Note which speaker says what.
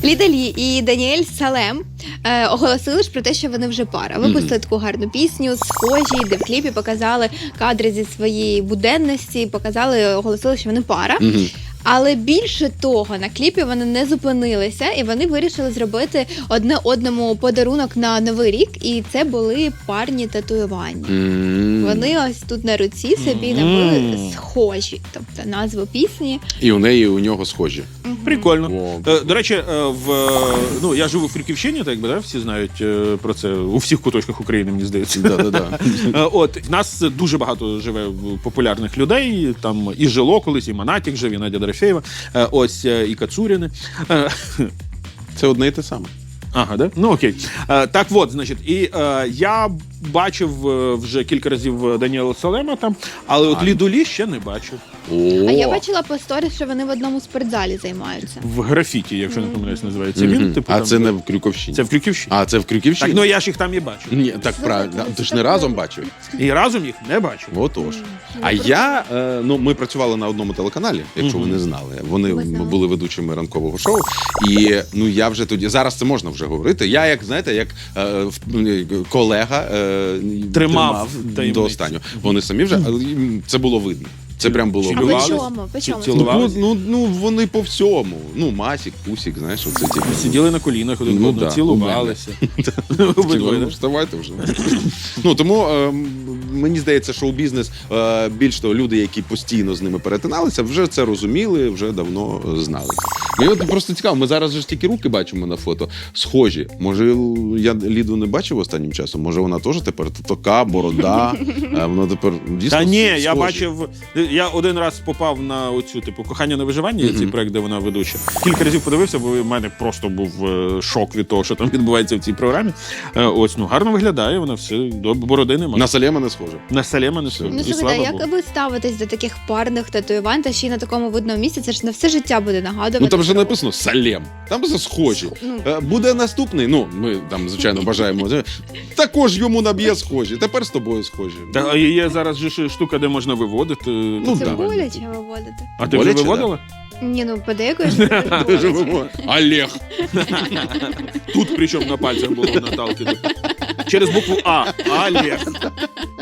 Speaker 1: Ліда Лі і Даніель Салем оголосили ж про те, що вони вже пара. Випустили таку гарну пісню, схожі, де в кліпі показали кадри зі своєї буденності, оголосили, що вони пара. Але більше того, на кліпі вони не зупинилися, і вони вирішили зробити одне одному подарунок на Новий рік, і це були парні татуювання. Вони ось тут на руці собі набили схожі, тобто назву пісні.
Speaker 2: І у нього схожі.
Speaker 3: Прикольно. До речі, я живу в Фрюківщині, так да, всі знають про це у всіх куточках України, мені здається. В нас дуже багато живе популярних людей, там і Жило колись, і Монатік жив, і Надя Дорофєєва, і Кацуріни.
Speaker 2: Це одне і те саме.
Speaker 3: Ага, да? Ну окей. Так от, значить, і я бачив вже кілька разів Даніела Салема там, але от Ліду Лі ще не бачив.
Speaker 1: А я бачила по сторіс, що вони в одному спортзалі займаються.
Speaker 3: В Графіті, якщо не помиляюсь, називається він.
Speaker 2: А це не в Крюковщині?
Speaker 3: Це в Крюківщині.
Speaker 2: А, це в Крюківщині?
Speaker 3: Так, я ж їх там і бачив.
Speaker 2: Ні, так правильно. Ти ж не разом бачив?
Speaker 3: І разом їх не бачив.
Speaker 2: Отож. А я, ми працювали на одному телеканалі, якщо ви не знали. Вони були ведучими ранкового шоу. І, я вже тоді, зараз це можна вже говорити. Я, як колега, тримав до останнього. Вони самі вже, це було видно. Це прям було видно.
Speaker 1: А по чому?
Speaker 2: Вони по всьому. Масік, Пусік, знаєш, оце ті.
Speaker 3: Сиділи на колінах, цілувалися.
Speaker 2: Вставайте вже. Тому мені здається, шоу-бізнес, більш того, люди, які постійно з ними перетиналися, вже це розуміли, вже давно знали. Мені просто цікаво, ми зараз ж тільки руки бачимо на фото, схожі. Може, я Ліду не бачив останнім часом? Може, вона теж тепер така, борода, вона тепер дійсно
Speaker 3: Та ні,
Speaker 2: схожі.
Speaker 3: я бачив, я один раз попав на оцю, «Кохання на виживання», цей проект, де вона ведуча. Кілька разів подивився, бо в мене просто був шок від того, що там відбувається в цій програмі. Гарно виглядає, вона все, бороди немає.
Speaker 2: На Салема не схоже.
Speaker 3: На Салема не схоже.
Speaker 1: Як ви ставитесь до таких парних татуювань, та ще й на такому видному місці? Це ж на все життя буде нагадувати.
Speaker 2: Там вже написано Салем. Там все схожі. Буде наступний, ми там, звичайно, бажаємо. Також йому наб'є схожі. Тепер з тобою схожі.
Speaker 3: Та є зараз же штука, де можна виводити.
Speaker 1: Це боляче виводити.
Speaker 3: А ти вже виводила?
Speaker 1: Ні, подейкуєш.
Speaker 2: Олег.
Speaker 3: Тут причому на пальцях було Наталки. Через букву А. Олег.